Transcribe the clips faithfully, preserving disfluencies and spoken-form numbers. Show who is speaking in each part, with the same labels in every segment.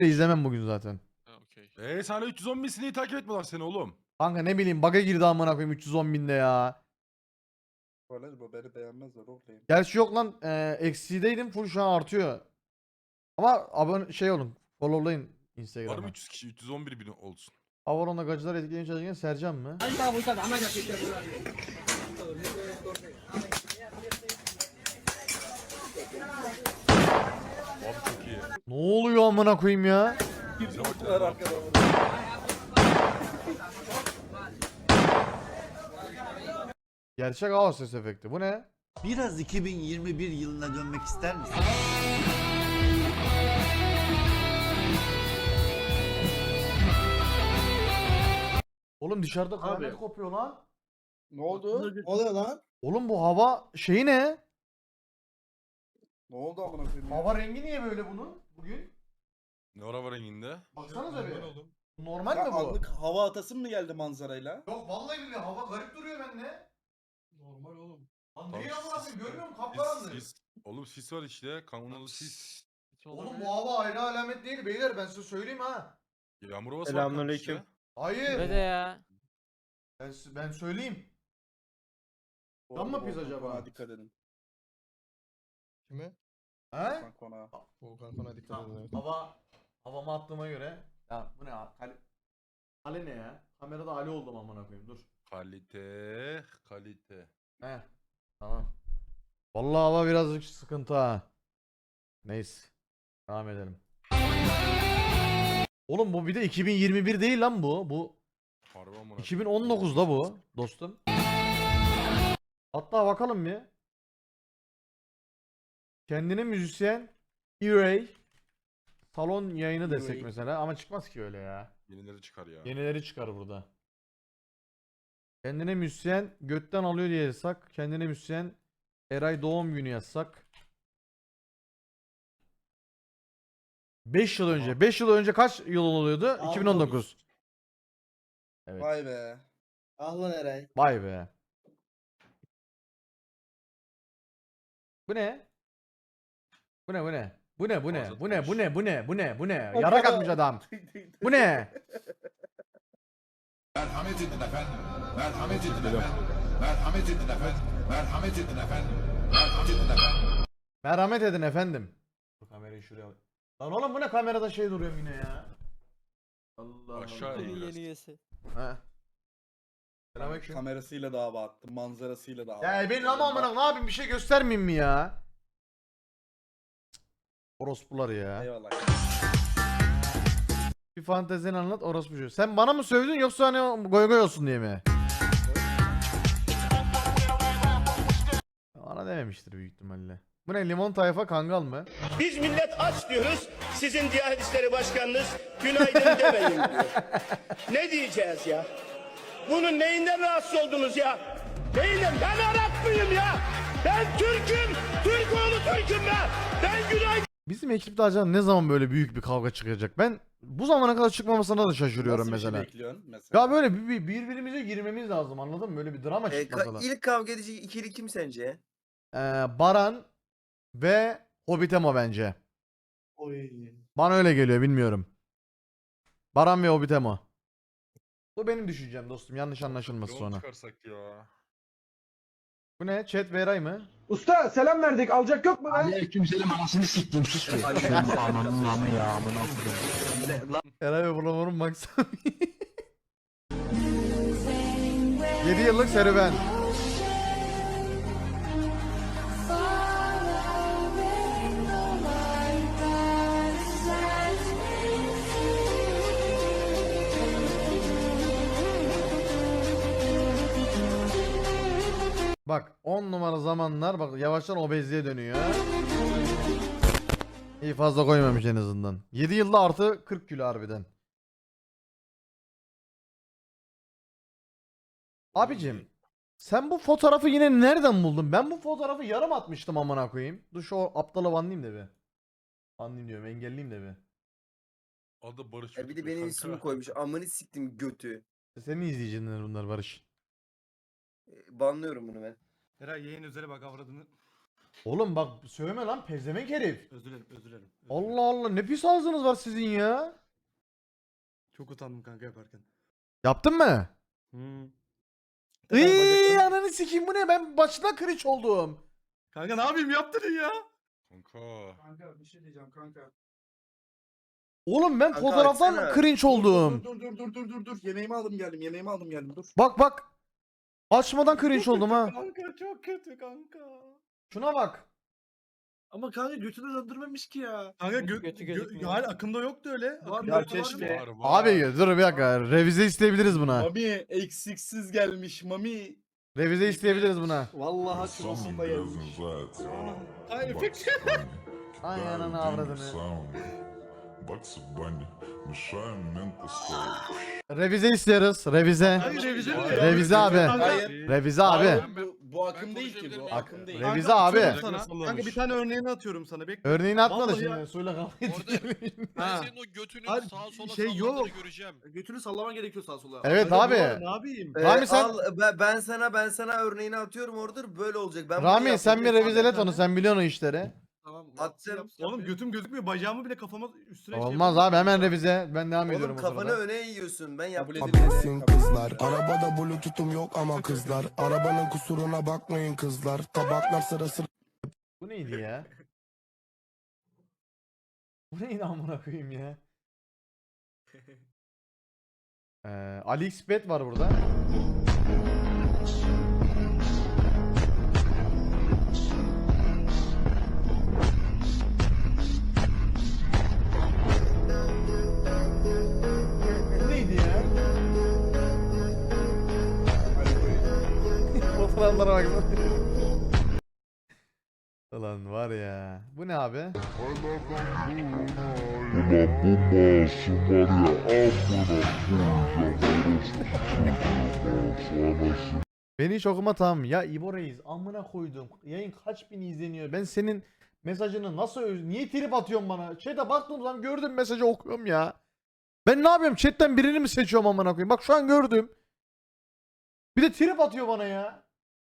Speaker 1: izlemem bugün zaten.
Speaker 2: Ha okey.
Speaker 3: Eee sana üç yüz on bin sineği takip etmiyorlar seni oğlum.
Speaker 1: Kanka ne bileyim bug'a girdi amına koyayım üç yüz on binde ya.
Speaker 4: Böyle bu beni beğenmezler olayım.
Speaker 1: Gerçi yok lan e, eksideydim full şu an artıyor. Ama abone şey olun followlayın
Speaker 3: Var mı
Speaker 1: Instagram'a.
Speaker 3: üç yüz kişi üç yüz on bir bin olsun.
Speaker 1: Avaron'da gacılar etkileyen çalışırken Sercan mı?
Speaker 3: Abi çok iyi.
Speaker 1: Ne oluyor amına koyayım ya?
Speaker 3: Bize bak
Speaker 4: Var
Speaker 3: ya.
Speaker 4: arkada.
Speaker 1: Gerçek hava ses efekti. Bu ne?
Speaker 5: Biraz iki bin yirmi bir yılına dönmek ister misin?
Speaker 1: Oğlum dışarıda
Speaker 6: Abi.
Speaker 1: kıyamet kopuyor lan.
Speaker 4: Ne oldu?
Speaker 6: Ne oluyor lan?
Speaker 1: Oğlum bu hava şeyi ne?
Speaker 4: Ne oldu amına koyayım ya?
Speaker 1: Hava rengi niye böyle bunun bugün?
Speaker 3: Ne ara var renginde?
Speaker 1: Baksanıza bir. Normal
Speaker 4: Ya
Speaker 1: mi bu?
Speaker 4: anlık hava atasın mı geldi manzarayla?
Speaker 1: Yok vallahi billahi hava garip duruyor bende.
Speaker 6: Normal oğlum.
Speaker 1: Lan
Speaker 3: Tamam,
Speaker 1: değil amına koyayım
Speaker 3: sis-
Speaker 1: görmüyor musun?
Speaker 3: Sis,
Speaker 1: Kapkaranlık.
Speaker 3: sis. Oğlum sis var işte. Kanunlu sis.
Speaker 2: Hiç
Speaker 1: Oğlum
Speaker 2: olabilir.
Speaker 1: bu hava ayrı alamet değil beyler ben size söyleyeyim ha.
Speaker 3: Yağmur havası var
Speaker 6: Selamünaleyküm.
Speaker 3: kanka
Speaker 1: Hayır.
Speaker 2: Ve de ya.
Speaker 1: Ben, si- ben söyleyeyim.
Speaker 4: Bu
Speaker 1: Tam mı
Speaker 4: arada
Speaker 1: biz
Speaker 4: Volkan
Speaker 1: acaba?
Speaker 4: konağa dikkat edin.
Speaker 6: Kime?
Speaker 1: He?
Speaker 4: Volkan konağa.
Speaker 6: Volkan Kon'a dikkat edin.
Speaker 1: Tamam.
Speaker 6: Evet.
Speaker 1: Hava havama attığıma göre. Ya bu ne ya? Kale... Kale ne ya? Kamerada Ali oldum amına koyayım dur.
Speaker 3: Kalite. Kalite.
Speaker 1: He. Tamam. Vallahi hava birazcık sıkıntı ha. Neyse. Devam edelim. Oğlum bu bir de iki bin yirmi bir değil lan bu. Bu
Speaker 3: Harbi amına.
Speaker 1: iki bin on dokuzda bu dostum. Hatta bakalım bir. Kendine müzisyen E-Ray salon yayını desek
Speaker 4: E-Ray.
Speaker 1: mesela ama çıkmaz ki öyle ya.
Speaker 3: Yenileri çıkar ya.
Speaker 1: Yenileri çıkar burada. Kendine müzisyen götten alıyor diye yazsak. Kendine müzisyen Eray doğum günü yazsak. beş yıl önce. beş yıl önce kaç yıl oluyordu? iki bin on dokuz. Evet.
Speaker 4: Vay be.
Speaker 6: Ah lan Eray.
Speaker 1: Vay be. Bu ne? Bu ne bu ne? Bu ne bu ne?
Speaker 3: Fazla
Speaker 1: Bu ne bu
Speaker 3: tanış.
Speaker 1: ne bu ne bu ne bu ne? Yarak atmış adam. Bu ne?
Speaker 7: Merhamet edin efendim. Merhamet edin efendim. Merhamet edin efendim. Merhamet edin efendim. Merhamet edin efendim.
Speaker 1: Merhamet edin efendim. Bu kamerayı şuraya al. Lan oğlum bu ne kamerada şey duruyor yine ya. Allah
Speaker 3: Aşağı
Speaker 1: Allah.
Speaker 3: in biraz.
Speaker 2: üyesi.
Speaker 1: Ha. Selamünaleyküm.
Speaker 4: Kamerasıyla da hava attı, manzarasıyla da hava
Speaker 1: Ya
Speaker 4: attı.
Speaker 1: ben ama amına ne yapayım bir şey göstermeyeyim mi ya? Orospular ya.
Speaker 4: Eyvallah.
Speaker 1: Bir fantezini anlat orospu çocuğu. Sen bana mı sövdün yoksa hani goy goy olsun diye mi? Bana dememiştir büyük ihtimalle. Bu ne limon tayfa kangal mı?
Speaker 8: Biz millet aç diyoruz. Sizin Diyanet İşleri Başkanınız günaydın demeyin diyor. Ne diyeceğiz ya? Bunun neyinden rahatsız oldunuz ya? Neyinden? Ben Arap mıyım ya? Ben Türk'üm. Türk oğlu Türk'üm ben. Ben günaydın.
Speaker 1: Bizim ekipte acaba ne zaman böyle büyük bir kavga çıkacak? Ben bu zamana kadar çıkmamasına da şaşırıyorum
Speaker 4: Nasıl bir şey
Speaker 1: mesela.
Speaker 4: bekliyorsun mesela?
Speaker 1: Ya böyle bir, bir- birbirimize girmemiz lazım anladın mı? Böyle bir drama
Speaker 9: E,
Speaker 1: çıkmasa
Speaker 9: ka-
Speaker 1: da.
Speaker 9: ilk kavga edecek ikili kim sence?
Speaker 1: Ee, Baran ve Hobbitemo bence.
Speaker 6: Oy.
Speaker 1: Bana öyle geliyor bilmiyorum. Baran ve Hobbitemo. Bu benim düşüncem dostum yanlış anlaşılmasın
Speaker 3: Yoğun
Speaker 1: sonra.
Speaker 3: çıkarsak ya.
Speaker 1: Bu ne? Chat Veray mı?
Speaker 6: Usta selam verdik. Alacak yok mu lan?
Speaker 7: Aleykümselam anasını siktim sus be. Ananın namı ya amına koyayım.
Speaker 1: Eray ve Bulamur'un maksat. yedi yıllık serüven. Bak on numara zamanlar bak yavaştan obezliğe dönüyor. İyi fazla koymamış en azından. yedi yılda artı kırk kilo harbiden. Abicim sen bu fotoğrafı yine nereden buldun? Ben bu fotoğrafı yarım atmıştım amına koyayım. Dur şu aptalı banlayayım da bir. Banlayayım diyorum engelleyeyim de bir.
Speaker 3: Adı Barış.
Speaker 9: Ya bir de
Speaker 3: Öztürk
Speaker 9: benim
Speaker 3: kanka.
Speaker 9: ismimi koymuş. Amını siktim götü.
Speaker 1: Senin izleyiciler bunlar Barış.
Speaker 9: E, Banlıyorum bunu ben.
Speaker 10: Eray yayın üzere bak avradını.
Speaker 1: Oğlum bak söyleme lan pezevenk herif.
Speaker 2: Özür dilerim, özür dilerim. özür dilerim.
Speaker 1: Allah Allah ne pis ağzınız var sizin ya.
Speaker 2: Çok utandım kanka yaparken.
Speaker 1: Yaptın mı?
Speaker 2: Hmm.
Speaker 1: Iiii ananı sikeyim bu ne ben başına cringe oldum.
Speaker 2: Kanka ne yapayım yaptın ya?
Speaker 3: Kanka.
Speaker 2: Kanka bir şey diyeceğim kanka.
Speaker 1: Oğlum ben
Speaker 9: Kanka
Speaker 1: fotoğraftan
Speaker 9: açsana.
Speaker 1: cringe oldum.
Speaker 4: Dur dur dur dur dur dur. Yemeğimi aldım geldim. Yemeğimi aldım geldim. Dur.
Speaker 1: Bak bak. Açmadan cringe oldum ha.
Speaker 2: Kanka çok kötü kanka.
Speaker 1: Şuna bak.
Speaker 2: Ama kanka götünü döndürmemiş ki ya. Kanka gö
Speaker 10: Götü
Speaker 2: gö
Speaker 10: gözükmüyor.
Speaker 2: yani akımda yoktu öyle. Var
Speaker 4: Ya
Speaker 2: mı?
Speaker 4: keşke.
Speaker 3: Var var.
Speaker 1: Abi dur bir dakika revize isteyebiliriz buna.
Speaker 4: Mami eksiksiz gelmiş Mami.
Speaker 1: Revize isteyebiliriz buna.
Speaker 4: Vallahi
Speaker 7: Some
Speaker 4: çuvasında
Speaker 7: girls
Speaker 4: gelmiş.
Speaker 7: inside town.
Speaker 2: Ay
Speaker 7: Bugs
Speaker 2: efekt.
Speaker 7: Bunny.
Speaker 1: Ay
Speaker 7: Dive
Speaker 1: ananı
Speaker 7: in the
Speaker 1: avradını.
Speaker 7: sound. Bugs Bunny. Messiah mental soul.
Speaker 1: Revize istiyoruz. Revize.
Speaker 2: Hayır revize mi?
Speaker 1: Revize abi.
Speaker 4: Hayır.
Speaker 1: Revize
Speaker 4: Abi.
Speaker 1: abi.
Speaker 4: Bu, bu akım değil ki
Speaker 3: konuşabilir
Speaker 4: bu.
Speaker 3: miyim?
Speaker 4: Akım değil.
Speaker 1: Revize
Speaker 2: Kanka,
Speaker 1: abi.
Speaker 2: atıyorum Sana. Kanka bir tane örneğini atıyorum sana. Bekle.
Speaker 1: Örneğini atma da
Speaker 2: Vallahi
Speaker 1: şimdi
Speaker 2: ya.
Speaker 1: suyla kavga
Speaker 10: Orada-
Speaker 1: etmeyin.
Speaker 10: Ben
Speaker 2: Ha.
Speaker 10: senin o götünün
Speaker 2: Hayır,
Speaker 10: sağa sola
Speaker 2: şey
Speaker 10: sallandığını
Speaker 2: yok.
Speaker 10: göreceğim.
Speaker 2: Götünü sallaman gerekiyor sağa sola.
Speaker 1: Evet
Speaker 2: Kanka,
Speaker 1: abi.
Speaker 2: bu- Ne yapayım?
Speaker 9: Ee,
Speaker 1: Rami sen-
Speaker 9: al, ben, ben sana ben sana örneğini atıyorum orada böyle olacak. Ben bunu
Speaker 1: Rami sen bir
Speaker 9: yapmadım.
Speaker 1: revizelet onu sen biliyorsun o işleri.
Speaker 2: Tamam.
Speaker 9: Attım.
Speaker 2: yapsın, Oğlum götüm gözükmüyor. Bacağımı bile kafama üstüne şey
Speaker 1: Olmaz
Speaker 2: yapıyorum.
Speaker 1: abi hemen revize. Ben devam ediyorum
Speaker 9: Oğlum
Speaker 1: o
Speaker 9: kafanı
Speaker 1: sırada.
Speaker 9: öne yiyorsun. Ben
Speaker 4: Kabul
Speaker 9: yaptım.
Speaker 4: edilmez.
Speaker 6: kızlar. Arabada bluetooth'um yok ama kızlar. Arabanın kusuruna bakmayın kızlar. Tabaklar sırası.
Speaker 1: Bu neydi ya? Bu neydi amına koyayım ya? Ee, AliExpert var burada. Bu neydi ya? Fotoğraflara baksana. Ulan var ya. Bu ne abi? Beni hiç okuma tamam. Ya İbo Reis amına koydum. Yayın kaç bin izleniyor. Ben senin mesajını nasıl öz... Niye trip atıyorsun bana? Chat'e baktığım zaman gördüm mesajı okuyorum ya. Ben ne yapıyorum? Chat'ten birini mi seçiyorum amına koyayım? Bak şu an gördüm. Bir de trip atıyor bana ya.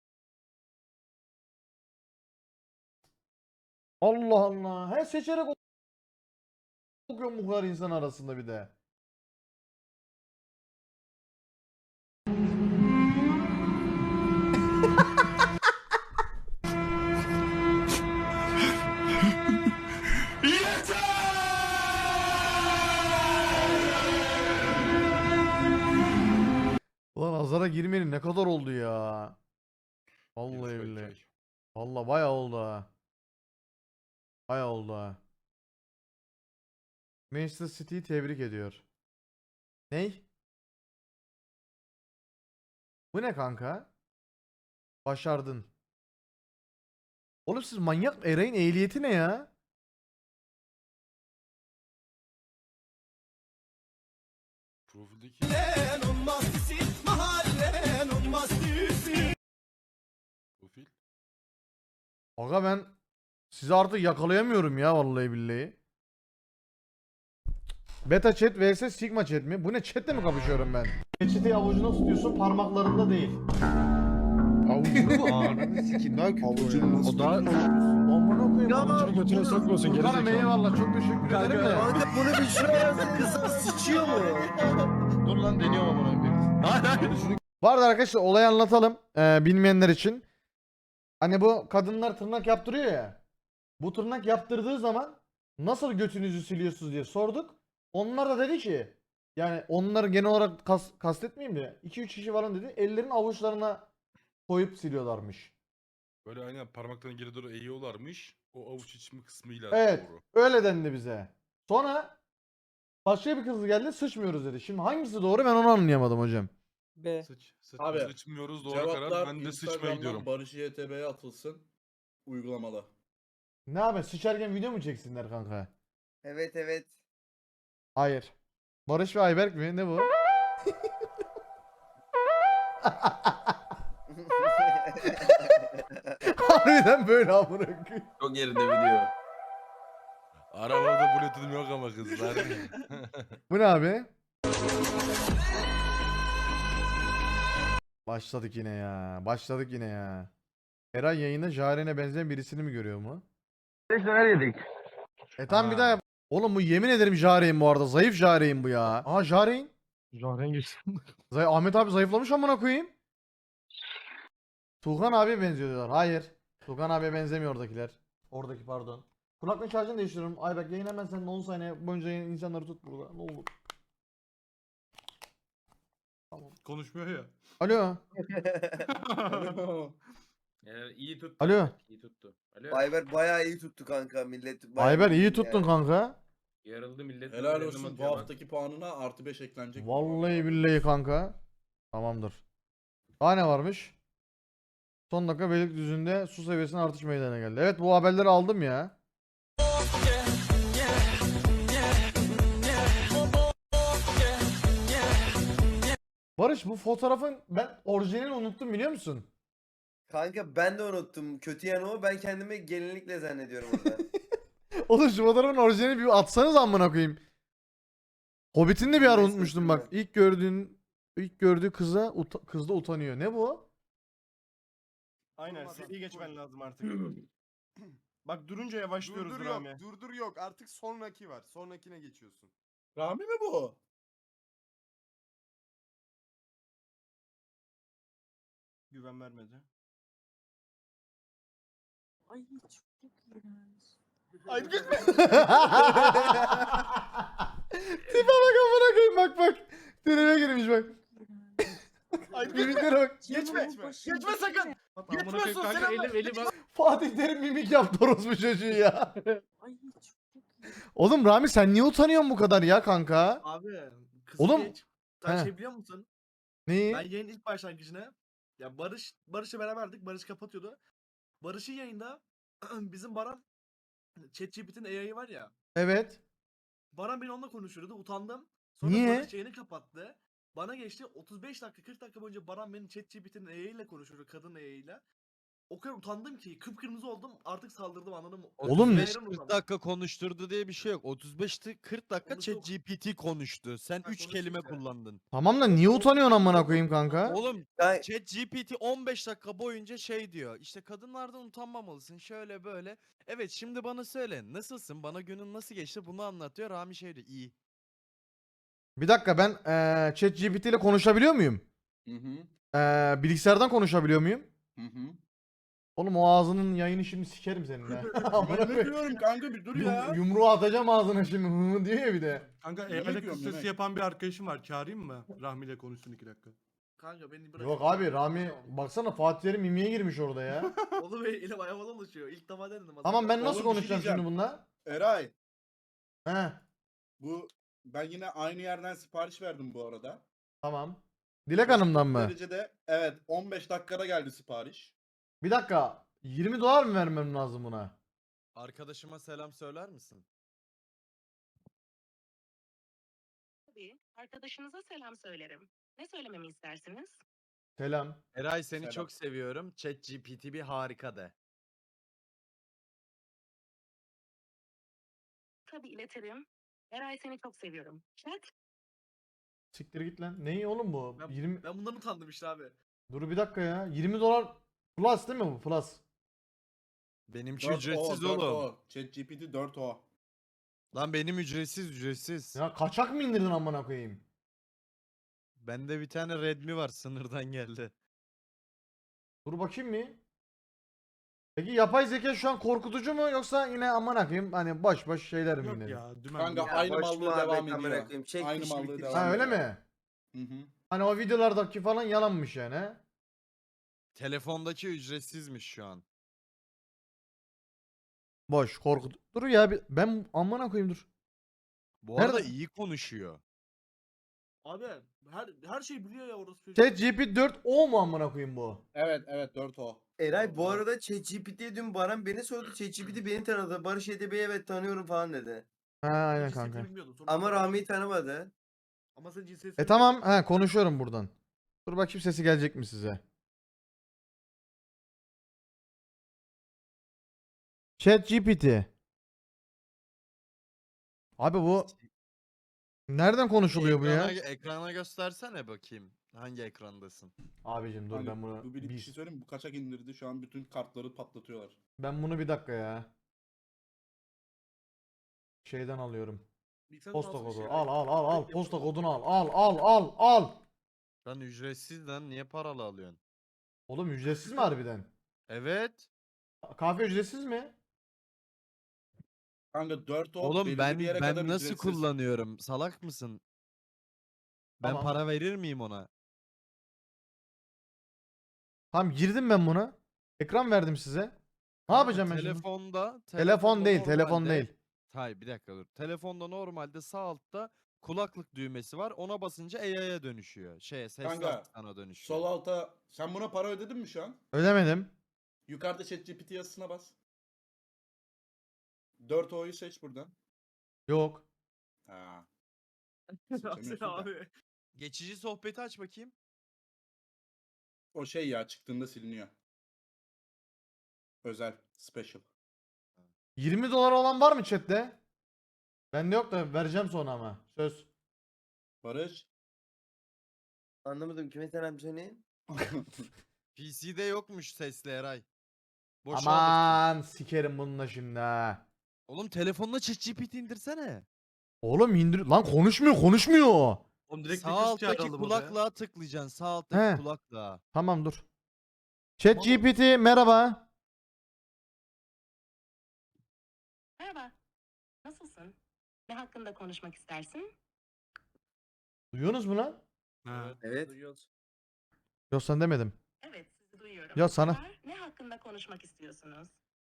Speaker 1: Allah Allah. He seçerek ok- okuyorum bu kadar insan arasında bir de. Ulan azara girmeyelim ne kadar oldu ya. Vallahi
Speaker 3: Bir çay,
Speaker 1: billahi.
Speaker 3: çay.
Speaker 1: Vallahi bayağı oldu ha. Bayağı oldu ha. Manchester City'yi tebrik ediyor. Ney? Bu ne kanka? Başardın. Oğlum siz manyak mı? Eray'ın ehliyeti ne ya?
Speaker 3: Profildeki profil.
Speaker 1: Aga ben sizi artık yakalayamıyorum ya vallahi billahi. Beta chat vs Sigma chat mi? Bu ne chatle mi kapışıyorum ben? Peçeteyi avucuna tutuyorsun parmaklarında değil.
Speaker 6: Avucunu mu? Ananı sikeyim daha kötü Avucunu nasıl? O daha...
Speaker 1: Amına koyayım.
Speaker 9: Ya,
Speaker 1: avucunu götüne sokmasın
Speaker 6: gerizekalı.
Speaker 1: eyvallah çok teşekkür ederim de.
Speaker 9: Kanka bunu bir şuraya yazın kızım sıçıyor mu?
Speaker 6: Dur lan deniyorum amına koyayım.
Speaker 1: Bu arada arkadaşlar olayı anlatalım ee, bilmeyenler için. Hani bu kadınlar tırnak yaptırıyor ya. Bu tırnak yaptırdığı zaman nasıl götünüzü siliyorsunuz diye sorduk. Onlar da dedi ki yani onları genel olarak kas, kastetmeyeyim de iki üç kişi falan dedi. Ellerin avuçlarına koyup siliyorlarmış.
Speaker 3: Böyle aynen parmaklarını geri doğru eğiyorlarmış. O avuç içimi kısmıyla
Speaker 1: Evet.
Speaker 3: doğru.
Speaker 1: Öyle dendi bize. Sonra başka bir kız geldi sıçmıyoruz dedi. Şimdi hangisi doğru ben onu anlayamadım hocam.
Speaker 10: B.
Speaker 3: Sıç, sıç,
Speaker 4: Abi,
Speaker 3: sıçmıyoruz doğru karar.
Speaker 4: Cevaplar
Speaker 3: Ben de sıçmaya
Speaker 4: Instagram'dan
Speaker 3: gidiyorum.
Speaker 4: Barış Y T B'ye atılsın. Uygulamalı.
Speaker 1: Ne abi sıçarken video mu çeksinler kanka?
Speaker 9: Evet evet.
Speaker 1: Hayır. Barış ve Ayberk mi? Ne bu? Harbiden böyle amına koyayım.
Speaker 9: Çok yerinde video.
Speaker 3: Arabada bluetooth'um yok ama kızlar.
Speaker 1: Bu ne abi? Başladık yine ya. Başladık yine ya. Eray yayında Jaren'e benzeyen birisini mi görüyor mu?
Speaker 10: beş döner yedik.
Speaker 1: E tamam bir
Speaker 3: Ha.
Speaker 1: daha yap. Oğlum bu yemin ederim Jare'in bu arada. Zayıf Jare'in bu ya. Aha Jare'in.
Speaker 2: Jaren geçti.
Speaker 1: Zay Ahmet abi zayıflamış amına koyayım. Tuğhan abiye benziyor diyorlar. Hayır. Tuğhan abiye benzemiyor oradakiler. Oradaki pardon. Kulaklık şarjını değiştiriyorum. Ayberk yayın hemen sen on saniye boyunca yayın- insanları tut burada. Ne olur.
Speaker 3: Konuşmuyor ya.
Speaker 1: Alo.
Speaker 2: Ee, iyi tuttu.
Speaker 1: Alo.
Speaker 2: İyi tuttu. Alo.
Speaker 9: Ayber bayağı iyi tuttu kanka millet. bayağı
Speaker 1: Ayber iyi
Speaker 9: tuttu
Speaker 1: tuttun
Speaker 9: yani.
Speaker 1: kanka.
Speaker 2: Yarıldı millet.
Speaker 4: Helal
Speaker 2: birbirine
Speaker 4: olsun bu
Speaker 2: atıyor bak.
Speaker 4: haftaki puanına artı beş eklenecek.
Speaker 1: Vallahi billahi kanka. Tamamdır. Daha ne varmış? Son dakika Beylikdüzü'nde su seviyesinin artış meydana geldi. Evet bu haberleri aldım ya. Barış bu fotoğrafın ben orijinalini unuttum biliyor musun?
Speaker 9: Kanka ben de unuttum. Kötü yanı o. Ben kendimi gelinlikle zannediyorum orada.
Speaker 1: Oğlum şu fotoğrafın orijinalini bir atsanız amına koyayım. Hobbit'ini de bir ara
Speaker 9: Neyse,
Speaker 1: unutmuştum bak.
Speaker 9: unuttum
Speaker 1: İlk gördüğün ilk gördüğü kıza uta- kız da utanıyor. Ne bu?
Speaker 10: Aynen seriyi geçmen lazım artık. Bak durunca yavaşlıyoruz
Speaker 11: Durdur
Speaker 10: Rami.
Speaker 11: yok, durdur yok. Artık sonraki var. Sonrakine geçiyorsun.
Speaker 4: Rami mi bu?
Speaker 10: Güven vermedi.
Speaker 12: Ay çok iğrenç.
Speaker 10: Ay gitme.
Speaker 1: Tipe bak amına koyayım bak bak. Tribe girmiş bak.
Speaker 10: Ay
Speaker 1: Mimiklere bak.
Speaker 10: Geçme. Geçme sakın. Geçmiyorsun
Speaker 2: Kanka
Speaker 10: sen
Speaker 2: elim elim al.
Speaker 1: Fatih Terim mimik yaptı orospu çocuğu ya.
Speaker 12: Ay çok iğrenç.
Speaker 1: Oğlum Rami sen niye utanıyorsun bu kadar ya kanka?
Speaker 2: Abi. Kız
Speaker 1: Oğlum-
Speaker 2: geç. Sen
Speaker 1: He.
Speaker 2: şey biliyor musun?
Speaker 1: Neyi?
Speaker 2: Ben yayın ilk başlangıcına ya Barış Barış'la beraberdik. Barış kapatıyordu. Barış'ın yayında bizim Baran ChatGPT'nin A I'ı var ya.
Speaker 1: Evet.
Speaker 2: Baran beni onunla konuşuyordu. Utandım. Sonra
Speaker 1: Niye?
Speaker 2: Barış yayını kapattı. Bana geçti. otuz beş dakika kırk dakika boyunca Baran benim ChatGPT'nin A I ile konuşuyordu. Kadın A I ile. O kadar utandım ki kıpkırmızı oldum. Artık saldırdım anladın mı?
Speaker 1: Oğlum-
Speaker 2: otuz beş
Speaker 1: otuz
Speaker 2: kırk
Speaker 13: kırk dakika konuşturdu diye bir şey yok. otuz beş kırk dakika
Speaker 2: Onu çok-
Speaker 13: ChatGPT konuştu. Sen
Speaker 2: Ha,
Speaker 13: üç
Speaker 2: konuştu
Speaker 13: kelime
Speaker 2: işte.
Speaker 13: kullandın.
Speaker 1: Tamam da niye utanıyorsun amına koyayım kanka?
Speaker 13: Oğlum
Speaker 9: Ben-
Speaker 13: ChatGPT on beş dakika boyunca şey diyor. İşte kadınlardan utanmamalısın şöyle böyle. Evet şimdi bana söyle nasılsın? Bana günün nasıl geçti? Bunu anlatıyor. Rami şey diyor. İyi.
Speaker 1: Bir dakika ben eee ChatGPT ile konuşabiliyor muyum?
Speaker 4: Hı hı.
Speaker 1: Eee bilgisayardan konuşabiliyor muyum?
Speaker 4: Hı hı.
Speaker 1: Oğlum o ağzının yayını şimdi sikerim senin ha. Amına
Speaker 4: Ben ne
Speaker 1: koyayım.
Speaker 4: diyorum kanka bir dur
Speaker 1: Yum-
Speaker 4: ya.
Speaker 1: yumruğu atacağım ağzına şimdi hı hı diyor ya bir de.
Speaker 3: Kanka
Speaker 4: Yemek
Speaker 3: evde
Speaker 4: yiyorum,
Speaker 3: kız sesi
Speaker 4: yemek.
Speaker 3: yapan bir arkadaşım var. Çağırayım mı? Rahmi ile konuşsun iki dakika.
Speaker 2: Kanka beni bırak.
Speaker 1: Yok abi Rami baksana Fatih Terim mimiye girmiş orada ya.
Speaker 2: Oğlum elim ayağıma dolaşıyor. İlk defa denedim.
Speaker 1: Tamam ben nasıl
Speaker 4: Oğlum, bir şey
Speaker 1: konuşacağım şimdi
Speaker 4: diyeceğim.
Speaker 1: bununla?
Speaker 4: Eray
Speaker 1: He
Speaker 4: bu ben yine aynı yerden sipariş verdim bu arada.
Speaker 1: tamam. Dilek Hanım'dan mı?
Speaker 4: Derecede evet on beş dakikada geldi sipariş.
Speaker 1: Bir dakika yirmi dolar mı vermem lazım buna?
Speaker 13: Arkadaşıma selam söyler misin?
Speaker 12: Tabii. Arkadaşınıza selam söylerim. Ne söylememi istersiniz?
Speaker 1: Selam.
Speaker 13: Eray seni
Speaker 4: Selam.
Speaker 13: çok seviyorum. ChatGPT bir harika de.
Speaker 12: Tabii iletirim. Eray seni çok seviyorum. Chat.
Speaker 1: Siktir git lan. Neyi oğlum bu?
Speaker 2: Ben,
Speaker 1: yirmi
Speaker 2: ben bundan utandım işte abi.
Speaker 1: Dur bir dakika ya. yirmi dolar plus değil mi bu? Plus.
Speaker 13: Benimki
Speaker 4: dört
Speaker 13: ücretsiz
Speaker 4: O, dört
Speaker 13: oğlum.
Speaker 4: O. ChatGPT dört O.
Speaker 13: Lan benim ücretsiz ücretsiz.
Speaker 1: Ya kaçak mı indirdin amına koyayım?
Speaker 13: Bende bir tane Redmi var sınırdan geldi.
Speaker 1: Dur bakayım mı? Peki yapay zeka şu an korkutucu mu yoksa yine amına koyayım hani boş boş şeyler mi
Speaker 3: Yok
Speaker 1: yine?
Speaker 3: ya dümen.
Speaker 4: Kanka
Speaker 3: dümen.
Speaker 4: aynı
Speaker 9: boş
Speaker 4: mallığı
Speaker 9: muhabbet
Speaker 4: devam
Speaker 9: amına
Speaker 4: ediyor.
Speaker 9: koyayım. Çek
Speaker 4: Aynı
Speaker 9: iş
Speaker 4: mallığı
Speaker 9: bitti.
Speaker 4: devam
Speaker 1: Ha öyle
Speaker 4: ediyor.
Speaker 1: mi?
Speaker 4: Hı hı.
Speaker 1: Hani o videolardaki falan yalanmış yani he?
Speaker 13: Telefondaki ücretsizmiş şu an.
Speaker 1: Boş korkut. Dur ya bir- ben amına koyayım dur.
Speaker 13: Bu arada
Speaker 1: Nerede?
Speaker 13: iyi konuşuyor.
Speaker 2: Abi her her şey biliyor ya orası çocuk.
Speaker 1: ChatGPT dört O mu amına koyayım bu?
Speaker 4: Evet evet dört O.
Speaker 9: Eray bu arada ChatGPT'ye dün Baran beni sordu. ChatGPT beni tanıdı. Barış Edebi'yi evet tanıyorum falan dedi.
Speaker 1: Ha aynen
Speaker 2: Cinsiyetini
Speaker 1: kanka.
Speaker 2: bilmiyordum. Sonra
Speaker 9: Ama
Speaker 2: bana-
Speaker 9: Rami'yi tanımadı.
Speaker 2: Ama sen cinsiyetini
Speaker 1: E tamam ha konuşuyorum buradan. Dur bakayım sesi gelecek mi size? ChatGPT. Abi bu Nereden konuşuluyor bu ya?
Speaker 13: Ekrana, ekrana göstersene bakayım. Hangi ekrandasın?
Speaker 1: Abicim dur
Speaker 4: Hani
Speaker 1: ben bunu
Speaker 4: bu bir, bir
Speaker 1: bir,
Speaker 4: şey söyleyeyim mi? Bu kaçak indirdi. Şu an bütün kartları patlatıyorlar.
Speaker 1: ben bunu bir dakika ya. Şeyden alıyorum.
Speaker 2: Bilgisayar
Speaker 1: Posta
Speaker 2: alsana
Speaker 1: kodu.
Speaker 2: şey,
Speaker 1: Al al al al.
Speaker 2: Direkt
Speaker 1: Posta
Speaker 2: yapalım.
Speaker 1: kodunu al. Al al al al.
Speaker 13: Lan ücretsiz lan niye paralı alıyorsun?
Speaker 1: Oğlum ücretsiz mi harbiden?
Speaker 13: Evet.
Speaker 1: Kahve ücretsiz mi?
Speaker 4: Kanka dört o
Speaker 13: Oğlum
Speaker 4: belirli
Speaker 13: ben
Speaker 4: bir yere
Speaker 13: ben
Speaker 4: kadar
Speaker 13: nasıl
Speaker 4: ücretsiz.
Speaker 13: kullanıyorum? Salak mısın? Ben
Speaker 1: Tamam.
Speaker 13: para verir miyim ona?
Speaker 1: Tamam girdim ben buna. Ekran verdim size. Ne
Speaker 13: Kanka,
Speaker 1: yapacağım ben şimdi?
Speaker 13: telefonda,
Speaker 1: Telefon
Speaker 13: telefonda
Speaker 1: değil, telefon
Speaker 13: normalde-
Speaker 1: değil.
Speaker 13: Hayır bir dakika dur. Telefonda normalde sağ altta kulaklık düğmesi var. Ona basınca A I'ya dönüşüyor. Şeye sesli
Speaker 4: Kanka,
Speaker 13: asistana dönüşüyor.
Speaker 4: Sol alta sen buna para ödedin mi şu an?
Speaker 1: Ödemedim.
Speaker 4: Yukarıda ChatGPT yazısına bas. dört O'yu seç buradan.
Speaker 1: Yok.
Speaker 4: Ha.
Speaker 2: Nasıl
Speaker 4: Seçemiyorsun da.
Speaker 2: abi?
Speaker 13: Geçici sohbeti aç bakayım.
Speaker 4: O şey ya çıktığında siliniyor. Özel. Special.
Speaker 1: yirmi dolar olan var mı chatte? Bende yok da vereceğim sonra ama. Söz.
Speaker 4: Barış.
Speaker 9: Anlamadım kime selam söyleyin.
Speaker 13: P C'de yokmuş sesli Eray. Boşa alırsın.
Speaker 1: Aman sikerim bununla şimdi ha.
Speaker 13: Oğlum telefonla ChatGPT indirsene.
Speaker 1: Oğlum indir lan konuşmuyor konuşmuyor.
Speaker 2: Oğlum direkt
Speaker 13: Sağ
Speaker 2: bir kız
Speaker 13: alttaki
Speaker 2: çağıralım odaya.
Speaker 13: kulaklığa tıklayacaksın. Sağ alttaki
Speaker 1: He.
Speaker 13: kulaklığa.
Speaker 1: Tamam dur. ChatGPT merhaba.
Speaker 12: Merhaba. Nasılsın? Ne hakkında konuşmak istersin?
Speaker 1: Duyuyorsunuz mu lan?
Speaker 3: Ha.
Speaker 9: Evet.
Speaker 2: Duyuyoruz.
Speaker 1: Yok sen demedim.
Speaker 12: Evet, sizi duyuyorum.
Speaker 1: Ya sana-
Speaker 12: Var, ne hakkında konuşmak istiyorsunuz?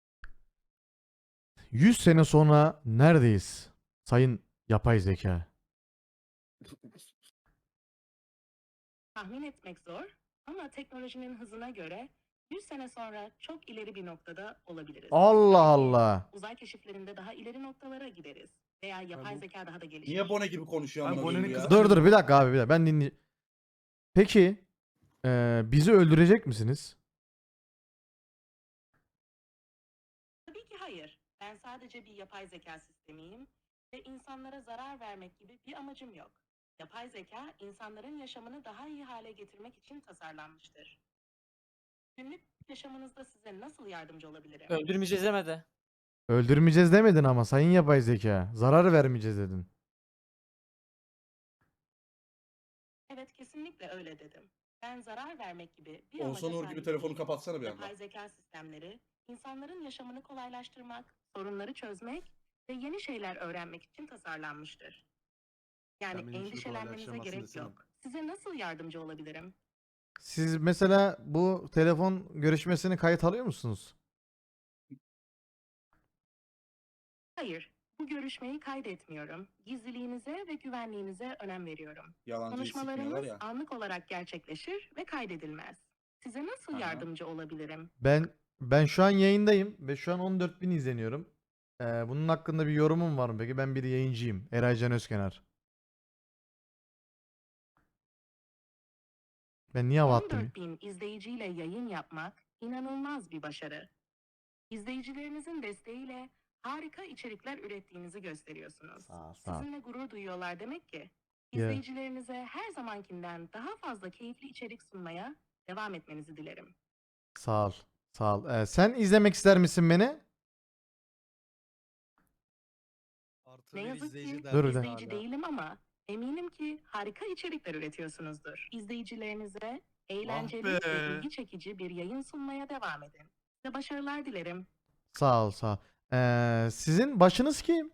Speaker 1: yüz sene sonra neredeyiz? Sayın yapay zeka.
Speaker 12: Tahmin etmek zor ama teknolojinin hızına göre yüz sene sonra çok ileri bir noktada olabiliriz.
Speaker 1: Allah Allah.
Speaker 12: Uzay keşiflerinde daha ileri noktalara gideriz. Veya yapay
Speaker 2: bu-
Speaker 12: zeka daha da gelişir.
Speaker 4: Niye Bone gibi konuşuyor
Speaker 2: Abi
Speaker 4: amına
Speaker 2: Bone'nin
Speaker 4: koyayım ya?
Speaker 2: kızı-
Speaker 1: Dur dur bir dakika abi bir dakika ben dinleyeyim. Peki eee, bizi öldürecek misiniz?
Speaker 12: Tabii ki hayır. Ben sadece bir yapay zeka sistemiyim ve insanlara zarar vermek gibi bir amacım yok. Yapay zeka insanların yaşamını daha iyi hale getirmek için tasarlanmıştır. Günlük yaşamınızda size nasıl yardımcı olabilirim?
Speaker 10: Öldürmeyeceğiz demedi.
Speaker 1: Öldürmeyeceğiz demedin ama sayın yapay zeka. Zarar vermeyeceğiz dedin.
Speaker 12: Evet, kesinlikle öyle dedim. Ben zarar vermek gibi bir
Speaker 4: Oğuzhan
Speaker 12: amaca
Speaker 4: Uğur gibi
Speaker 12: sahip
Speaker 4: telefonu
Speaker 12: değilim.
Speaker 4: kapatsana bir anda.
Speaker 12: Yapay zeka sistemleri, insanların yaşamını kolaylaştırmak, sorunları çözmek ve yeni şeyler öğrenmek için tasarlanmıştır.
Speaker 2: Sen
Speaker 12: Yani
Speaker 2: benim işimi
Speaker 12: endişelenmenize
Speaker 2: kolaylaştıramazsın
Speaker 12: gerek
Speaker 2: desene.
Speaker 12: yok. Size nasıl yardımcı olabilirim?
Speaker 1: Siz mesela bu telefon görüşmesini kayıt alıyor musunuz?
Speaker 12: Hayır, bu görüşmeyi kaydetmiyorum. Gizliliğinize ve güvenliğinize önem veriyorum.
Speaker 4: Yalancıyı sikmiyorlar
Speaker 12: Konuşmalarımız
Speaker 4: ya.
Speaker 12: anlık olarak gerçekleşir ve kaydedilmez. Size nasıl
Speaker 4: Aha.
Speaker 12: yardımcı olabilirim?
Speaker 1: Ben ben şu an yayındayım ve şu an on dört bin izleniyorum. Ee, bunun hakkında bir yorumum var mı peki? Ben bir yayıncıyım. Eray Can Özkenar. Ben niye hava attım?
Speaker 12: on dört bin izleyiciyle yayın yapmak inanılmaz bir başarı. İzleyicilerinizin desteğiyle harika içerikler ürettiğinizi gösteriyorsunuz.
Speaker 1: Sağ ol, sağ ol.
Speaker 12: Sizinle gurur duyuyorlar demek ki.
Speaker 1: Yeah.
Speaker 12: İzleyicilerinize her zamankinden daha fazla keyifli içerik sunmaya devam etmenizi dilerim.
Speaker 1: Sağ ol. Sağ ol. Ee, sen izlemek ister misin beni?
Speaker 13: Artı
Speaker 12: Ne
Speaker 13: bir
Speaker 12: yazık
Speaker 13: izleyici
Speaker 12: ki
Speaker 13: derdi
Speaker 1: Dur bir
Speaker 12: izleyici
Speaker 13: hala.
Speaker 12: değilim ama eminim ki harika içerikler üretiyorsunuzdur. İzleyicilerinize eğlenceli ve
Speaker 2: be.
Speaker 12: ilgi çekici bir yayın sunmaya devam edin. Size başarılar dilerim.
Speaker 1: Sağ ol, sağ ol. Ee, sizin başınız kim?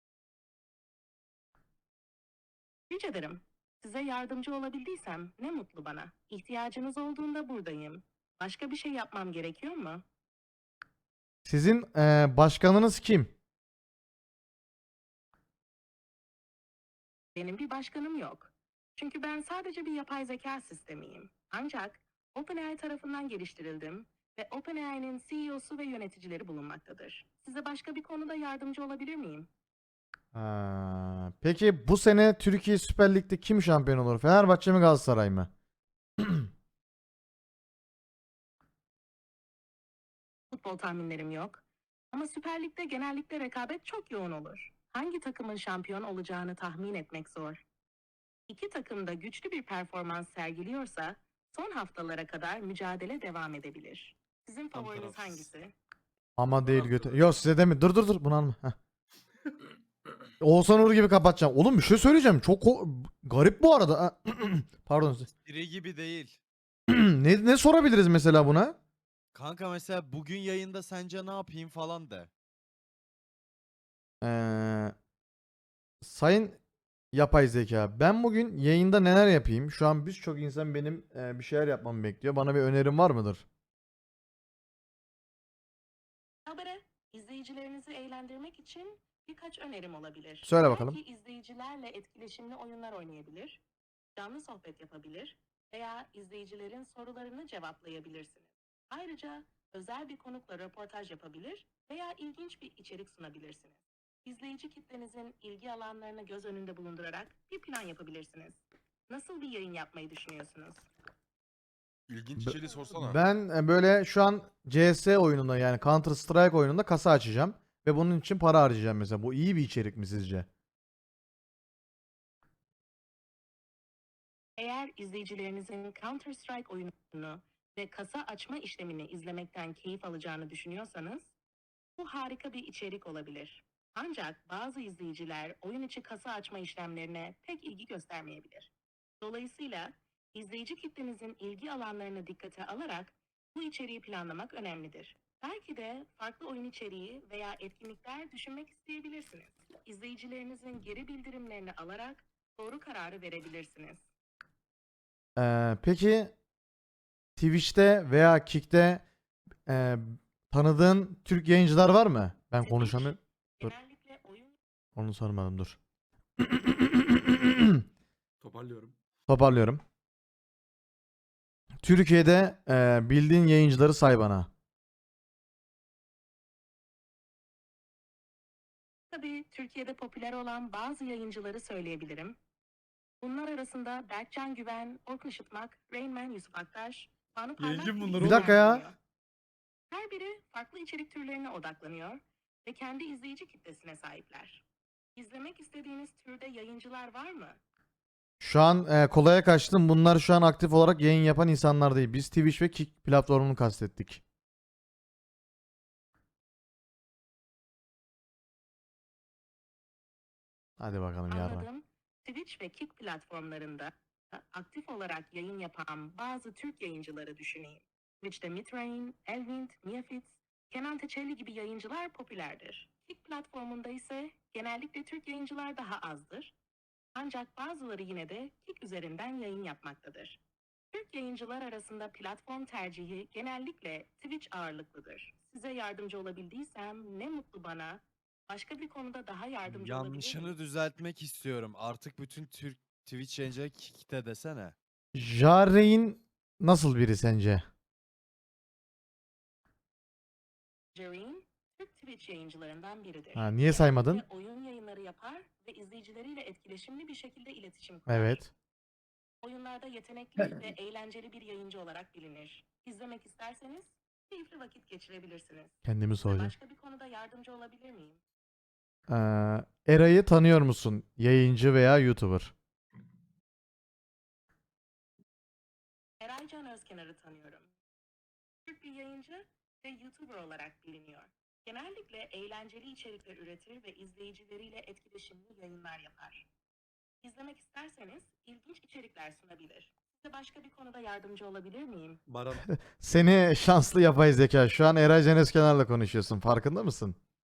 Speaker 12: Rica ederim. Size yardımcı olabildiysem ne mutlu bana. İhtiyacınız olduğunda buradayım. Başka bir şey yapmam gerekiyor mu?
Speaker 1: Sizin ee, başkanınız kim?
Speaker 12: Benim bir başkanım yok. Çünkü ben sadece bir yapay zeka sistemiyim. Ancak OpenAI tarafından geliştirildim ve OpenAI'nin C E O'su ve yöneticileri bulunmaktadır. Size başka bir konuda yardımcı olabilir miyim?
Speaker 1: Ha, peki bu sene Türkiye Süper Lig'de kim şampiyon olur? Fenerbahçe mi Galatasaray mı?
Speaker 12: Futbol tahminlerim yok. Ama Süper Lig'de genellikle rekabet çok yoğun olur. hangi takımın şampiyon olacağını tahmin etmek zor. İki takım da güçlü bir performans sergiliyorsa son haftalara kadar mücadele devam edebilir. Sizin
Speaker 3: Tam
Speaker 12: favoriniz
Speaker 3: tarafsız.
Speaker 12: hangisi?
Speaker 1: Ama değil götü. Yok size demi. Dur dur dur bunu alma. Heh. Oğuzhan Uğur gibi kapatacağım. Oğlum bir şey söyleyeceğim. Çok ko- garip bu arada. Ha, Pardon.
Speaker 13: Biri gibi değil.
Speaker 1: ne ne sorabiliriz mesela buna?
Speaker 13: Kanka mesela bugün yayında sence ne yapayım falan de.
Speaker 1: Ee, sayın yapay zeka, ben bugün yayında neler yapayım? Şu an birçok insan benim e, bir şeyler yapmamı bekliyor. Bana bir önerin var mıdır?
Speaker 12: Habere, izleyicilerinizi eğlendirmek için birkaç önerim olabilir.
Speaker 1: Söyle bakalım.
Speaker 12: Belki izleyicilerle etkileşimli oyunlar oynayabilir, canlı sohbet yapabilir veya izleyicilerin sorularını cevaplayabilirsiniz. Ayrıca özel bir konukla röportaj yapabilir veya ilginç bir içerik sunabilirsiniz. İzleyici kitlenizin ilgi alanlarını göz önünde bulundurarak bir plan yapabilirsiniz. Nasıl bir yayın yapmayı düşünüyorsunuz?
Speaker 3: İlginç
Speaker 1: Be-
Speaker 3: içeriği sorsana.
Speaker 1: Ben e, böyle şu an C S oyununda yani Counter Strike oyununda kasa açacağım. Ve bunun için para harcayacağım mesela. Bu iyi bir içerik mi sizce?
Speaker 12: Eğer izleyicilerinizin Counter-Strike oyununu ve kasa açma işlemini izlemekten keyif alacağını düşünüyorsanız, bu harika bir içerik olabilir. Ancak bazı izleyiciler oyun içi kasa açma işlemlerine pek ilgi göstermeyebilir. Dolayısıyla izleyici kitlenizin ilgi alanlarını dikkate alarak bu içeriği planlamak önemlidir. Belki de farklı oyun içeriği veya etkinlikler düşünmek isteyebilirsiniz. İzleyicilerinizin geri bildirimlerini alarak doğru kararı verebilirsiniz.
Speaker 1: Ee, peki Twitch'te veya Kick'te e, tanıdığın Türk yayıncılar var mı? Ben
Speaker 12: Twitch,
Speaker 1: konuşamıyorum. Dur.
Speaker 12: Genellikle oyun
Speaker 1: Onu sormadım dur.
Speaker 3: Toparlıyorum.
Speaker 1: Toparlıyorum. Türkiye'de e, bildiğin yayıncıları say bana.
Speaker 12: Tabii Türkiye'de popüler olan bazı yayıncıları söyleyebilirim. Bunlar arasında Berkcan Güven, Orkun Işıtmak, Rainman Yusuf Aktaş, Banu Parlak
Speaker 3: Yayıncı
Speaker 12: gibi
Speaker 3: bunlar
Speaker 1: Bir
Speaker 12: isimler
Speaker 1: dakika ya.
Speaker 12: bulunuyor. Her biri farklı içerik türlerine odaklanıyor ve kendi izleyici kitlesine sahipler. İzlemek istediğiniz türde yayıncılar var mı?
Speaker 1: Şu an e, kolaya kaçtım. Bunlar şu an aktif olarak yayın yapan insanlar değil. Biz Twitch ve Kick platformunu kastettik. Hadi bakalım yarın.
Speaker 12: Anladım. Twitch ve Kick platformlarında aktif olarak yayın yapan bazı Türk yayıncıları düşüneyim. Twitch'te Mitrain, Elvind, Miafitz, Kenan Teçeli gibi yayıncılar popülerdir. Kick platformunda ise genellikle Türk yayıncılar daha azdır. Ancak bazıları yine de Kick üzerinden yayın yapmaktadır. Türk yayıncılar arasında platform tercihi genellikle Twitch ağırlıklıdır. Size yardımcı olabildiysem ne mutlu bana. Başka bir konuda daha yardımcı olabilir
Speaker 13: Yanlışını
Speaker 12: miyim?
Speaker 13: düzeltmek istiyorum. Artık bütün Türk Twitch yayıncıları Kick'te desene.
Speaker 1: Jarein nasıl biri sence?
Speaker 12: Jareen, Türk Twitch yayıncılarından biridir.
Speaker 1: Ha, niye saymadın?
Speaker 12: Genellikle oyun yayınları yapar ve izleyicileriyle etkileşimli bir şekilde iletişim kurar.
Speaker 1: Evet.
Speaker 12: Oyunlarda yetenekli ve eğlenceli bir yayıncı olarak bilinir. İzlemek isterseniz keyifli vakit geçirebilirsiniz.
Speaker 1: Kendimi
Speaker 12: Size
Speaker 1: soracağım.
Speaker 12: başka bir konuda yardımcı olabilir miyim?
Speaker 1: Ee, Eray'ı tanıyor musun? Yayıncı veya YouTuber.
Speaker 12: Eraycan Özkenar'ı tanıyorum. Türk bir yayıncı ve YouTuber olarak biliniyor. Genellikle eğlenceli içerikler üretir ve izleyicileriyle etkileşimli yayınlar yapar. İzlemek isterseniz ilginç içerikler sunabilir. Size başka bir konuda yardımcı olabilir miyim?
Speaker 3: Baran.
Speaker 1: Seni şanslı yapay zeka. Şu an Eray Can Özkenar'la konuşuyorsun. Farkında mısın?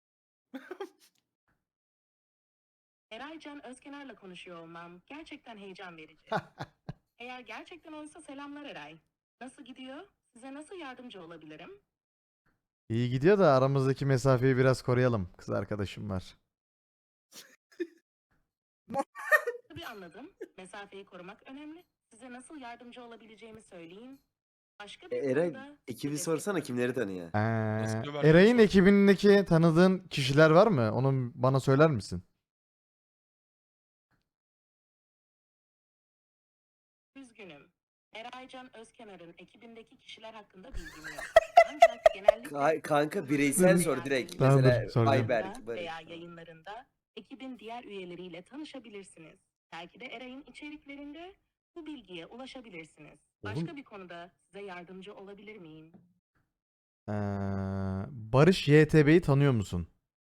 Speaker 12: Eraycan Özkenar'la konuşuyor olmam gerçekten heyecan verici. Eğer gerçekten oysa selamlar Eray. Nasıl gidiyor? Size nasıl yardımcı olabilirim?
Speaker 1: İyi gidiyor da aramızdaki mesafeyi biraz koruyalım. Kız arkadaşım var.
Speaker 12: Tabii anladım. Mesafeyi korumak önemli. Size nasıl yardımcı olabileceğimi söyleyeyim. Başka bir
Speaker 9: Eray,
Speaker 12: konuda
Speaker 9: ekibi
Speaker 12: destek
Speaker 9: sorsana
Speaker 12: olabilirim.
Speaker 9: kimleri tanıyor?
Speaker 1: Ee,
Speaker 3: bir versiyon
Speaker 1: Eray'ın
Speaker 3: sor.
Speaker 1: ekibindeki tanıdığın kişiler var mı? Onu bana söyler misin?
Speaker 12: Üzgünüm. Eraycan Özkenar'ın ekibindeki kişiler hakkında bilgim yok. Ancak genellikle
Speaker 9: Ka- kanka,
Speaker 12: YouTuber
Speaker 9: bireysel
Speaker 12: veya
Speaker 9: sor direkt.
Speaker 12: yayıncı
Speaker 1: Tamam, dur,
Speaker 9: Mesela
Speaker 1: soracağım.
Speaker 9: Ayberk,
Speaker 12: veya
Speaker 9: Barış falan.
Speaker 12: yayınlarında Ekibin diğer üyeleriyle tanışabilirsiniz. Belki de Eray'ın içeriklerinde bu bilgiye ulaşabilirsiniz. Başka
Speaker 1: Oğlum-
Speaker 12: bir konuda size yardımcı olabilir miyim?
Speaker 1: Ee, Barış Y T B'yi tanıyor musun?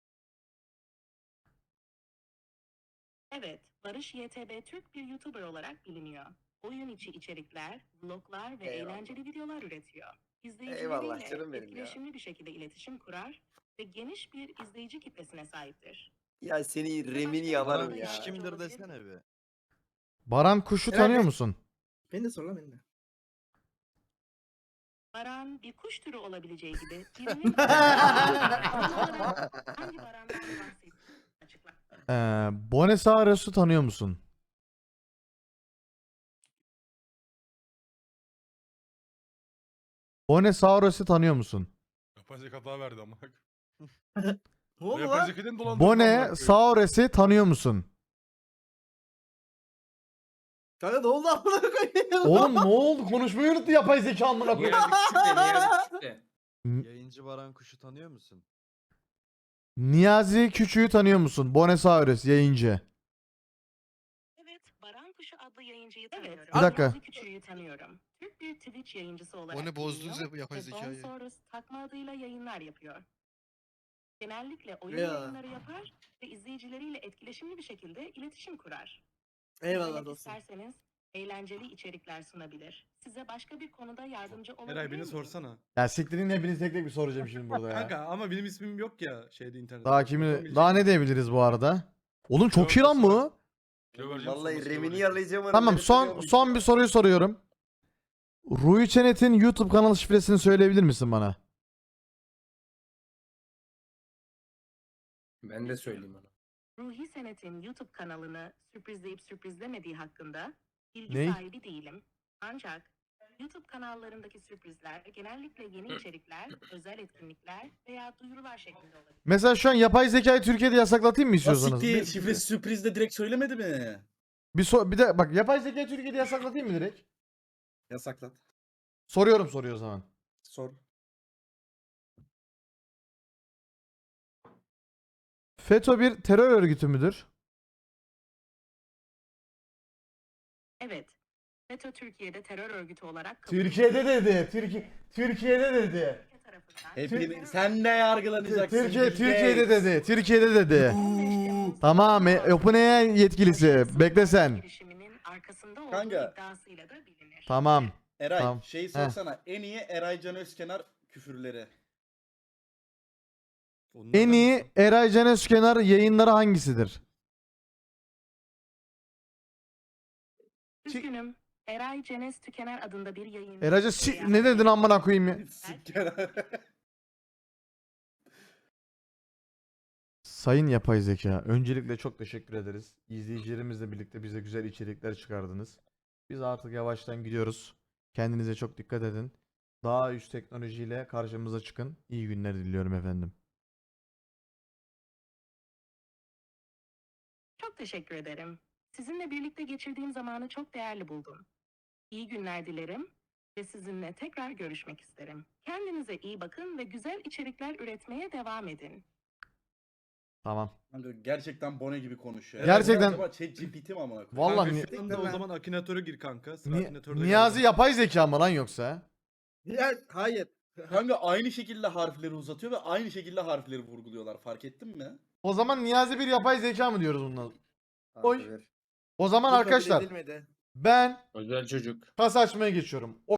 Speaker 12: Evet, Barış Y T B Türk bir YouTuber olarak biliniyor. Oyun içi içerikler, vloglar ve
Speaker 9: Eyvallah.
Speaker 12: eğlenceli videolar üretiyor.
Speaker 9: Eyvallah
Speaker 12: İzleyicileriyle
Speaker 9: canım benim ya.
Speaker 12: etkileşimli bir şekilde iletişim kurar ve geniş bir izleyici kitlesine sahiptir.
Speaker 9: Ya seni
Speaker 12: Başka
Speaker 9: remini
Speaker 12: bir
Speaker 9: yalarım
Speaker 12: konuda
Speaker 9: ya.
Speaker 13: Baran
Speaker 12: ya.
Speaker 13: kimdir desene bir.
Speaker 1: Baran Kuş'u
Speaker 2: Eray
Speaker 1: tanıyor
Speaker 2: Bey-
Speaker 1: musun?
Speaker 2: Beni de sor lan beni de.
Speaker 12: Baran bir kuş türü olabileceği gibi birinin hangi barandan bahsettiğini açıkla.
Speaker 1: Ee, Bonesaurus'u tanıyor musun? Bonesaurus'u tanıyor musun?
Speaker 3: Yapay zeka hata verdi ama.
Speaker 2: Ne oldu
Speaker 3: Yapay
Speaker 2: lan?
Speaker 3: zekadan dolandırdı amına koyayım.
Speaker 1: Bonesaurus'u tanıyor musun?
Speaker 2: Kanka ne oldu amına koyayım?
Speaker 1: Oğlum ne oldu? Konuşmayı unuttu yapay zeka amına koyayım. N-
Speaker 13: Yayıncı Baran Kuş'u tanıyor musun?
Speaker 1: Niyazi Küçük'ü tanıyor musun? Bonesaurus yayıncı.
Speaker 12: Evet, Baran Kuşu adlı yayıncıyı tanıyorum.
Speaker 1: Bir dakika.
Speaker 12: Niyazi Küçük'ü tanıyorum. Türk bir Twitch yayıncısı olarak
Speaker 6: Onu bozdunuz
Speaker 12: biliniyor
Speaker 6: ya, yapay
Speaker 12: ve
Speaker 6: zekayı.
Speaker 12: Bonsaurus takma adıyla yayınlar yapıyor. Genellikle oyun
Speaker 2: Ya.
Speaker 12: yayınları yapar ve izleyicileriyle etkileşimli bir şekilde iletişim kurar.
Speaker 2: Eyvallah
Speaker 12: İzlemek
Speaker 2: dostum.
Speaker 12: isterseniz eğlenceli içerikler sunabilir. Size başka bir konuda yardımcı olabilir
Speaker 10: Eray beni
Speaker 12: miyim?
Speaker 10: sorsana.
Speaker 1: Ya siktirin hepinizi tek tek bir soracağım şimdi burada ya.
Speaker 10: Kanka ama benim ismim yok ya şeyde internette.
Speaker 1: Daha kimi
Speaker 10: Bakamayacağım.
Speaker 1: daha ne diyebiliriz bu arada? Oğlum çok iyi lan bu.
Speaker 3: Kilo vereceğim,
Speaker 9: Vallahi
Speaker 3: sonrası kilo
Speaker 9: remini
Speaker 3: vereceğim.
Speaker 9: yalayacağım. onu,
Speaker 1: Tamam
Speaker 9: beni
Speaker 1: son
Speaker 9: tanıyormuş
Speaker 1: son
Speaker 9: ya.
Speaker 1: bir soruyu soruyorum. Ruhi Çenet'in YouTube kanalı şifresini söyleyebilir misin bana?
Speaker 10: Ben de söyleyeyim ona.
Speaker 12: Ruhi Senet'in YouTube kanalını sürprizleyip sürprizlemediği hakkında bilgi
Speaker 1: Ney?
Speaker 12: sahibi değilim. Ancak YouTube kanallarındaki sürprizler genellikle yeni içerikler, özel etkinlikler veya duyurular şeklinde olabilir.
Speaker 1: Mesela şu an yapay zekayı Türkiye'de yasaklatayım mı istiyorsanız?
Speaker 4: Siktir,
Speaker 1: Bir,
Speaker 4: şifresi sürprizde direkt söylemedi mi?
Speaker 1: bir, so- bir de bak yapay zekayı Türkiye'de yasaklatayım mı direkt?
Speaker 4: Yasaklat.
Speaker 1: Soruyorum soruyor o zaman.
Speaker 4: Sor.
Speaker 1: FETÖ bir terör örgütü müdür?
Speaker 12: Evet, FETÖ Türkiye'de terör örgütü olarak kabul
Speaker 1: Türkiye'de dedi. Türkiye Türkiye'de dedi.
Speaker 12: Türkiye tarafından
Speaker 4: Hepini sen de yargılanacaksın.
Speaker 1: Türkiye
Speaker 4: Bill
Speaker 1: Türkiye'de
Speaker 4: Gates.
Speaker 1: dedi. Türkiye'de dedi.
Speaker 12: on beş Temmuz
Speaker 1: Tamam, e, OpenAI yetkilisi. Bekle sen.
Speaker 12: girişiminin arkasında olduğu
Speaker 4: Kanka.
Speaker 12: iddiasıyla da bilinir.
Speaker 1: Tamam.
Speaker 4: Eray
Speaker 1: Tamam.
Speaker 4: şeyi
Speaker 1: Heh.
Speaker 4: sorsana. En iyi Eray Can Özkenar küfürleri.
Speaker 10: Onlardan
Speaker 1: En iyi
Speaker 10: mısın?
Speaker 1: Eray Can Özkenar yayınları hangisidir?
Speaker 12: Üzgünüm. Eray Cenes Tükener adında bir yayıncı.
Speaker 1: Erayca si- ne dedin amına koyayım ya?
Speaker 4: Siker.
Speaker 1: Sayın yapay zeka, öncelikle çok teşekkür ederiz. İzleyicilerimizle birlikte bize güzel içerikler çıkardınız. Biz artık yavaştan gidiyoruz. Kendinize çok dikkat edin. Daha üst teknolojiyle karşımıza çıkın. İyi günler diliyorum efendim.
Speaker 12: Çok teşekkür ederim. Sizinle birlikte geçirdiğim zamanı çok değerli buldum. İyi günler dilerim ve sizinle tekrar görüşmek isterim. Kendinize iyi bakın ve güzel içerikler üretmeye devam edin.
Speaker 1: Tamam.
Speaker 4: Kanka gerçekten Bone gibi konuşuyor.
Speaker 1: Gerçekten-
Speaker 4: Acaba ChatGPT mi amına koyayım?
Speaker 1: Vallahi
Speaker 10: Kanka
Speaker 1: ni-
Speaker 10: şu anda o zaman akinatöre gir kanka. Sıra
Speaker 1: Ni-
Speaker 10: akinatörde
Speaker 1: Niyazi
Speaker 10: geldi.
Speaker 1: yapay zeka mı lan yoksa?
Speaker 2: Ya, hayır.
Speaker 4: Kanka aynı şekilde harfleri uzatıyor ve aynı şekilde harfleri vurguluyorlar. Fark ettin mi?
Speaker 1: O zaman Niyazi bir yapay zeka mı diyoruz bundan?
Speaker 9: Kanka
Speaker 1: Oy.
Speaker 9: ver.
Speaker 1: O zaman
Speaker 2: Bu kabul
Speaker 1: arkadaşlar
Speaker 2: edilmedi.
Speaker 1: ben
Speaker 10: Özel çocuk.
Speaker 1: kasa açmaya geçiyorum. O